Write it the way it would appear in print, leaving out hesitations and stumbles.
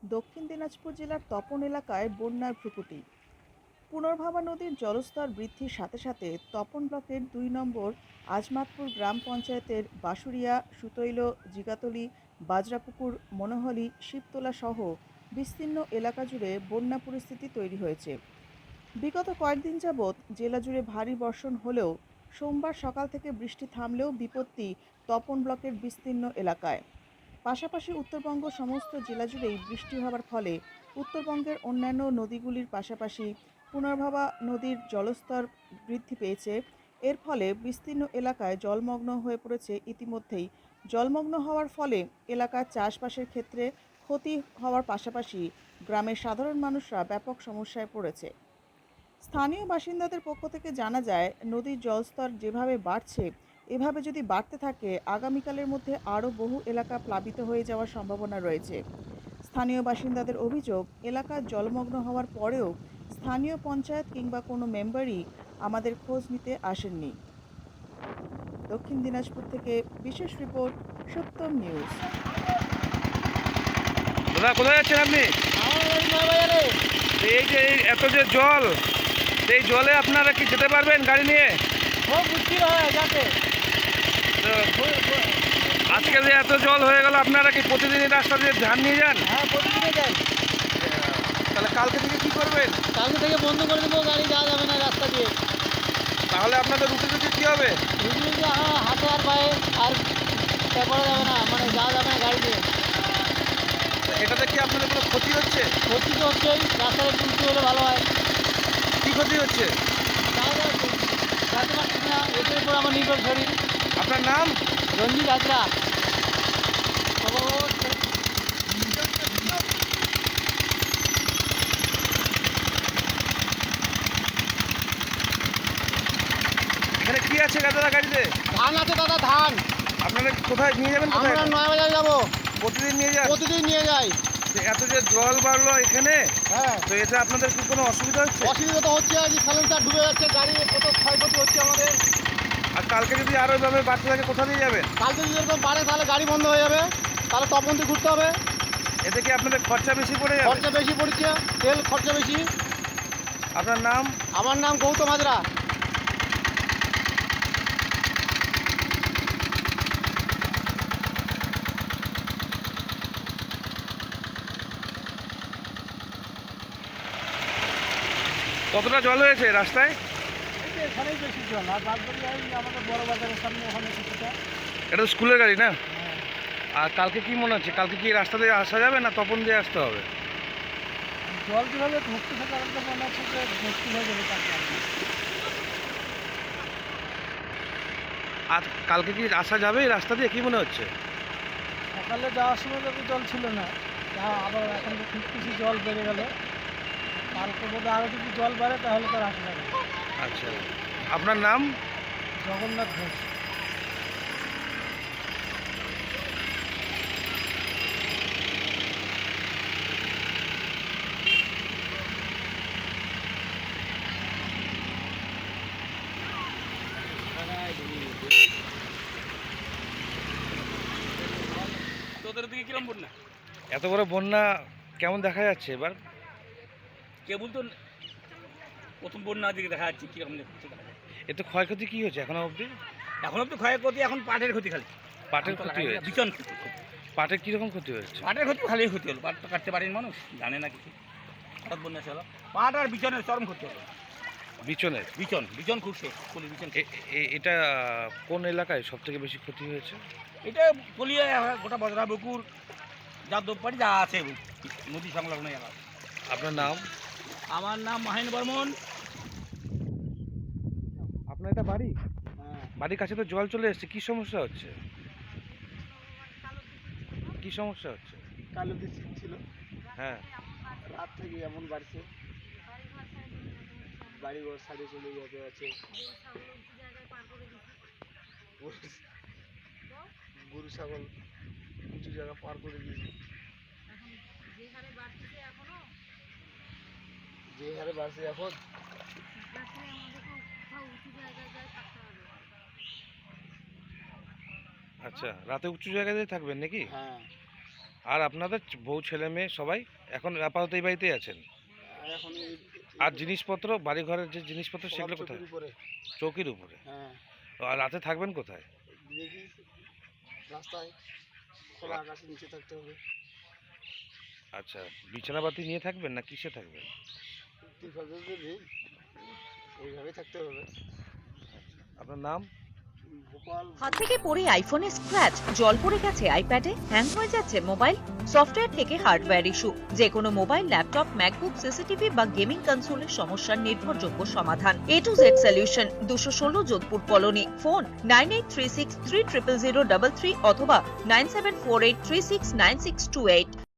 দক্ষিণ দিনাজপুর জেলার তপন এলাকায় বন্যার ভ্রুকুটি। পুনর্ভাবা নদীর জলস্তর বৃদ্ধির সাথে সাথে তপন ব্লকের ২ নম্বর আজমাতপুর গ্রাম পঞ্চায়েতের বাঁশুড়িয়া, সুতৈল, জিগাতলি, বাজরাপুকুর, মনোহলি, শিবতলা সহ বিস্তীর্ণ এলাকা জুড়ে বন্যা পরিস্থিতি তৈরি হয়েছে। বিগত কয়েকদিন যাবৎ জেলা জুড়ে ভারী বর্ষণ হলেও সোমবার সকাল থেকে বৃষ্টি থামলেও বিপত্তি তপন ব্লকের বিস্তীর্ণ এলাকায়। পাশাপাশি উত্তরবঙ্গ সমস্ত জেলা জুড়েই বৃষ্টি হওয়ার ফলে উত্তরবঙ্গের অন্যান্য নদীগুলির পাশাপাশি পুনর্ভাবা নদীর জলস্তর বৃদ্ধি পেয়েছে। এর ফলে বিস্তীর্ণ এলাকায় জলমগ্ন হয়ে পড়েছে। ইতিমধ্যেই জলমগ্ন হওয়ার ফলে এলাকার চাষবাসের ক্ষেত্রে ক্ষতি হওয়ার পাশাপাশি গ্রামের সাধারণ মানুষরা ব্যাপক সমস্যায় পড়েছে। স্থানীয় বাসিন্দাদের পক্ষ থেকে জানা যায়, নদীর জলস্তর যেভাবে বাড়ছে, এভাবে যদি বাড়তে থাকে আগামীকালের মধ্যে আরও বহু এলাকা প্লাবিত হয়ে যাওয়ার সম্ভাবনা রয়েছে। স্থানীয় বাসিন্দাদের অভিযোগ, এলাকার জলমগ্ন হওয়ার পরেও স্থানীয় পঞ্চায়েত কিংবা কোনো মেম্বারই আমাদের খোঁজ নিতে আসেননি। দক্ষিণ দিনাজপুর থেকে বিশেষ রিপোর্ট, সত্যম নিউজ। দাদা কোথায় যাচ্ছেন আপনি? এই যে এত যে জল, এই জলে আপনারা কি যেতে পারবেন গাড়ি নিয়ে? তো আজকে যে এত জল হয়ে গেল, আপনারা কি প্রতিদিনই রাস্তা দিয়ে ধান নিয়ে যান? হ্যাঁ, প্রতিদিনে যাই। তাহলে কালকে থেকে কি করবেন? কালকে থেকে বন্ধ করে দেবো, গাড়ি যাওয়া যাবে না রাস্তা দিয়ে। তাহলে আপনাদের রুটি রুটি কী হবে? রুটি হাতে আর পায়ে আর করা যাবে না, মানে যাওয়া যাবে না গাড়ি দিয়ে। এটাতে কি আপনাদের কোনো ক্ষতি হচ্ছে? ক্ষতি তো হচ্ছেই, রাস্তায় একটু উঁচু হলে ভালো হয়। কি ক্ষতি হচ্ছে? যাওয়া যাচ্ছে যাতে পারছি না, এটার উপর আমার নির্ভর শরীর। আপনার নাম? রঞ্জিত হাজরা। এখানে কি আছে দাদা গাড়িতে? ধান আছে দাদা, ধান। আপনারা কোথায় নিয়ে যাবেন? কোথায় আমরা 9 বাজার যাবো, প্রতিদিন নিয়ে যান? প্রতিদিন নিয়ে যাই। তো এত যে জল বাড়লো এখানে, হ্যাঁ, তো এতে আপনাদের কি কোনো অসুবিধা হচ্ছে? অসুবিধা তো হচ্ছে, আজ সাইলেন্সার ডুবে যাচ্ছে, গাড়ি কত ক্ষয়ক্ষতি হচ্ছে আমাদের। আর কালকে যদি আরো এভাবে বাড়তে থাকে কোথা দিয়ে যাবেন? কালকে যদি এরকম বাড়ে তাহলে গাড়ি বন্ধ হয়ে যাবে, তাহলে তপন দিয়ে ঘুরতে হবে। এতে কি আপনাদের খরচা বেশি পড়ে যাবে? খরচা বেশি পড়ছে, তেল খরচা বেশি। আপনার নাম? আমার নাম গৌতম হাজরা। কতটা জল হয়েছে রাস্তায়? এখানেই বেশি জল, আর বাদ বাকি আমাদের বড় বাজারের সামনে ওখানে কিছুটা। এটা তো স্কুলের গাড়ি না? আর কালকে কি মনে হচ্ছে, কালকে কি রাস্তা দিয়ে আসা যাবে না তপন দিয়ে আসতে হবে? জল যেভাবে ভর্তি থাকে আমার তো মনে হচ্ছে যে ভর্তি হয়ে যাবে কালকে। আর কালকে কি আসা যাবে এই রাস্তা দিয়ে, কি মনে হচ্ছে? সকালে যাওয়ার সময় তো জল ছিল না, আবার এখন তো খুব কিছু জল বেড়ে গেল। কালকে বোধহয় আরও যদি জল বাড়ে তাহলে তো রাখা যাবে। আচ্ছা, আপনার নাম? জগন্নাথ ঘোষ। তোদের দিকে কিরম বন্যা? এত বড় বন্যা কেমন দেখা যাচ্ছে এবার? কেবল তো প্রথম বন্যা দিকে দেখা যাচ্ছে কিরকম দেখা যাচ্ছে। এতে ক্ষয়ক্ষতি কি হয়েছে এখনো অবধি? এখন তো ক্ষয়ক্ষতি, এখন পাটের ক্ষতি খালি। পাটের ক্ষতি হয়েছে? ভীষণ ক্ষতি। পাটের কিরকম ক্ষতি হয়েছে? পাটের ক্ষতি খালি ক্ষতি হলো, পাট তো কাটতে পারেনি মানুষ, জানে না কিছু। হঠাৎ বন্যা ছিল, পাট আর বিচনের চরম ক্ষতি হলো। বিচনের? বিচন খুব শেষ, কলি বিচন। এটা কোন এলাকায় সব থেকে বেশি ক্ষতি হয়েছে? এটা কলিয়া গোটা বজরা বকুর যাদবপাড়ি যা আছে নদী সংলগ্ন এলাকা। আপনার নাম? আমার নাম মাহিন বর্মন। আপনার এটা বাড়ি? বাড়ির কাছে তো জল চলে এসেছে, কি সমস্যা হচ্ছে? কি সমস্যা হচ্ছে? কালো বৃষ্টি ছিল, হ্যাঁ, রাত থেকে এমন বাড়ছে, বাড়ি ঘর সাইডে চলে যেতে আছে। গরু ছাগল উঁচু জায়গা পার করে দিয়েছে। যে হারে বাড়ছে এখন, আচ্ছা, রাতে উঁচু জায়গায় থাকবেন নাকি? হ্যাঁ। আর আপনাদের বউ ছেলে মেয়ে সবাই এখন আপাতত এই বাড়িতেই আছেন? এখন আর জিনিসপত্র বাড়িঘরের যে জিনিসপত্র সেগুলো কোথায়? উপরে। চৌকির উপরে। হ্যাঁ, আর রাতে থাকবেন কোথায়? দেখি রাস্তায় খোলা আকাশের নিচে থাকতে হবে। আচ্ছা, বিছানাপাতি নিয়ে থাকবেন না কিসে থাকবেন? তিরপল নেই, এইভাবে থাকতে হবে। আপনার নাম? ভোপাল। হাত থেকে পড়ে আইফোনে স্ক্র্যাচ, জল পড়ে গেছে আইপ্যাডে, হ্যাং হয়ে যাচ্ছে মোবাইল, সফটওয়্যার থেকে হার্ডওয়্যার ইস্যু, যে কোনো মোবাইল, ল্যাপটপ, ম্যাকবুক, সিসিটিভি বা গেমিং কনসোলের সমস্যার নির্ভরযোগ্য সমাধান। A to Z solution, 216 Jodhpur colony. Phone 9836 300033 অথবা 9748369628।